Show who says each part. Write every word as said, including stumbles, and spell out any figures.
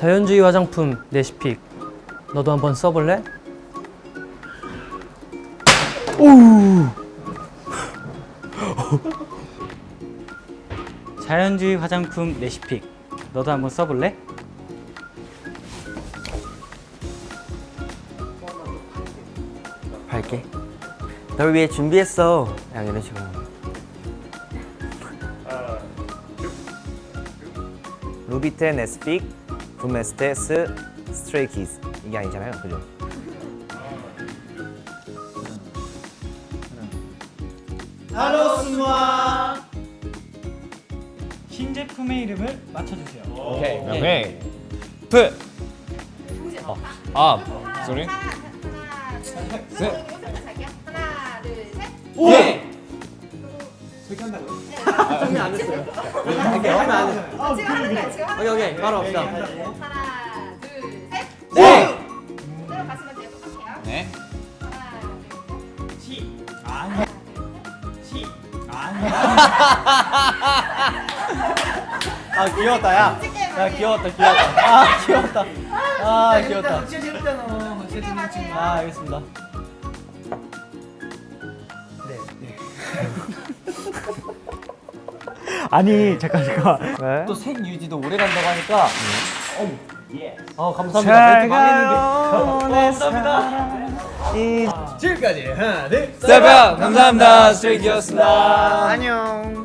Speaker 1: 자연주의 화장품 레시픽 너도 한번 써볼래? 오.
Speaker 2: 자연주의 화장품 레시픽 너도 한번 써볼래?
Speaker 3: 밝게. 널 위해 준비했어. 그냥 이런 식으로. 루비텐 에스픽 붐에스테스 스트레이키즈 이게 아니잖아요, 그죠?
Speaker 2: 하로스마 신제품의 이름을 맞춰주세요.
Speaker 4: 오케이. 오케이. 프. 어. 아, sorry.
Speaker 5: 하나, 둘, 셋.
Speaker 4: 셋.
Speaker 5: 여기서부터 갈게요. 하나, 둘, 셋.
Speaker 4: 오.
Speaker 1: 정리 안 했어요. 오케이, 하면 안 했어요.
Speaker 5: 아, 지금 하는 거야, 지금 하는
Speaker 1: 오케이, 오케이, 바로 갑시다.
Speaker 5: 하나, 둘, 셋.
Speaker 4: 네.
Speaker 5: 그대로 가시면 돼요. 똑같아요.
Speaker 4: 네.
Speaker 5: 하나, 둘, 셋.
Speaker 2: 시
Speaker 5: 하나,
Speaker 2: 시
Speaker 1: 아, 귀여웠다, 야.
Speaker 5: 둘, 셋.
Speaker 1: 야, 귀여웠다, 귀여웠다. 아, 귀여웠다. 아, 귀여웠다.
Speaker 5: 진짜 재밌잖아.
Speaker 1: 아, 알겠습니다.
Speaker 2: 아니 잠깐 잠깐
Speaker 1: 네.
Speaker 2: 또 색 유지도 오래 간다고 하니까
Speaker 1: 어, 감사합니다. 멘트 망했는데.
Speaker 4: 세븐 감사합니다. 스트레이키였습니다.
Speaker 3: 안녕.